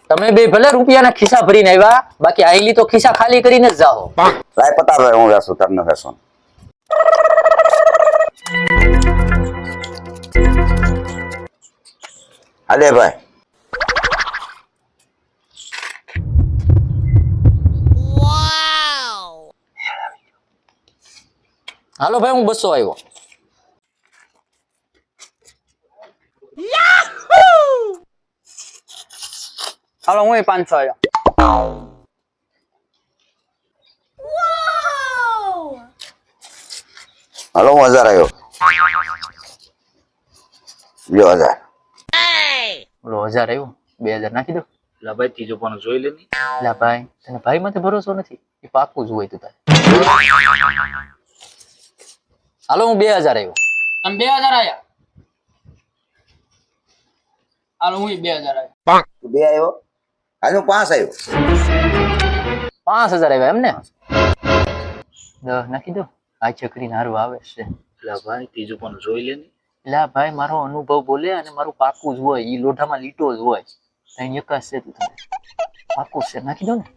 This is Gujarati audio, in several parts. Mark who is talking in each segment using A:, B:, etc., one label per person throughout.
A: તમે બે ભલે રૂપિયાના ખિસ્સા ભરીને આવ્યા, બાકી આઈલી તો ખિસ્સા ખાલી કરીને જ જાઓ.
B: લાય પતાર ભાઈ હું વેસું તમને વેસું. હાલે ભાઈ.
A: હાલો ભાઈ, હું 200 આવ્યો.
C: હાલો હું 500 આવ્યો.
B: હાલો હું 1000 આવ્યો. લ્યો 1000.
A: બોલો 1000 આવ્યો, 2000 નાખી દો.
D: લા ભાઈ ત્રીજો પણ જોઈ લે ની.
A: લા ભાઈ, તને ભાઈ માથે ભરોસો નથી? એ પાકું જ હોય તું તારે. હાલો હું 2000 આવ્યો.
C: તમે 2000 આવ્યા. હાલો હું 2000 આવ્યો.
B: તું 2 આવ્યો. આજે હું 5 આવ્યો.
A: 5000 આવ્યા એમ ને? 10 નાખી દો. આ ચકરી નારું આવે છે.
D: લા ભાઈ ત્રીજો પણ જોઈ લે ની.
A: લા ભાઈ, મારો અનુભવ બોલે અને મારું પાકું જ હોય. ઈ લોઢામાં લીટો જ હોય. તઈ એકાશ છે તું તમે. પાકું છે, નાખી દો ને.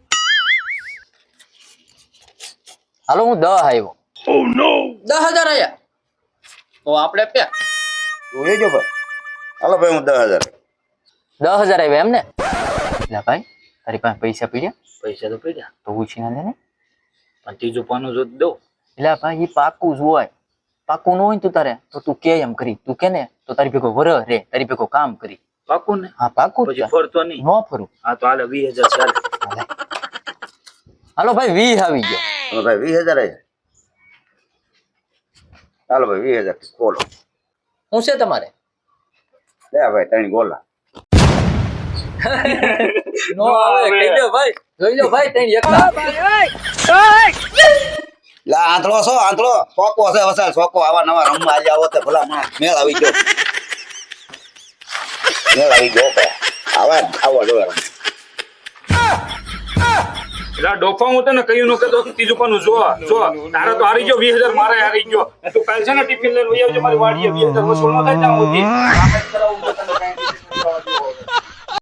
A: હાલો હું 10 આવ્યો.
C: 10000 આવ્યા. તો આપણે પે
B: તું લેજો ભાઈ. હાલો ભાઈ હું 10000.
A: 10000 આવ્યા એમ ને? લા ભાઈ, તારી પાસે પૈસા પડ્યા?
D: પૈસા તો પડ્યા,
A: તો ઉછી ના લે ને.
D: પણ ત્રીજો પાનું જો દો.
A: એટલે ભાઈ, ઈ પાકું જ હોય. પાકું ન હોય ને તું તારે, તો તું કે એમ કરી. તું કે ને તો તારી ભેગો વર રે, તારી ભેગો કામ કરી.
D: પાકું ને?
A: હા પાકું જ
D: પછી
A: છે.
D: ફરતો નહીં.
A: ન ફરું.
D: હા તો હાલે 20000 ચાલે.
A: હાલો ભાઈ, 20 આવી ગયો.
B: હાલો ભાઈ 20000 આવ્યા. હાલો ભાઈ 20000 ખોલો.
A: શું છે તમારે?
B: લે ભાઈ 3 ગોલા.
A: નો આવે, કહી દો ભાઈ. જોઈ લો ભાઈ, તઈ એકલા.
B: લા આંતળો છો આંતળો. સોકો છે વસાલ સોકો. આવા નવા રમવા આજે આવો તે ભલા માં મેળ આવી ગયો. મેળ આવી ગયો ભાઈ. આવા આવો જો રમ.
D: લા ડોફા હું તને કહ્યું ન કહેતો કે ત્રીજો પાનું જો તારે તો હારી ગયો 20000, મારે હારી ગયો. તું કાલ છે ને ટિફિન લઈને વહી આવજે મારી વાડીએ. 20000 વસૂલ ન થાય ત્યાં સુધી.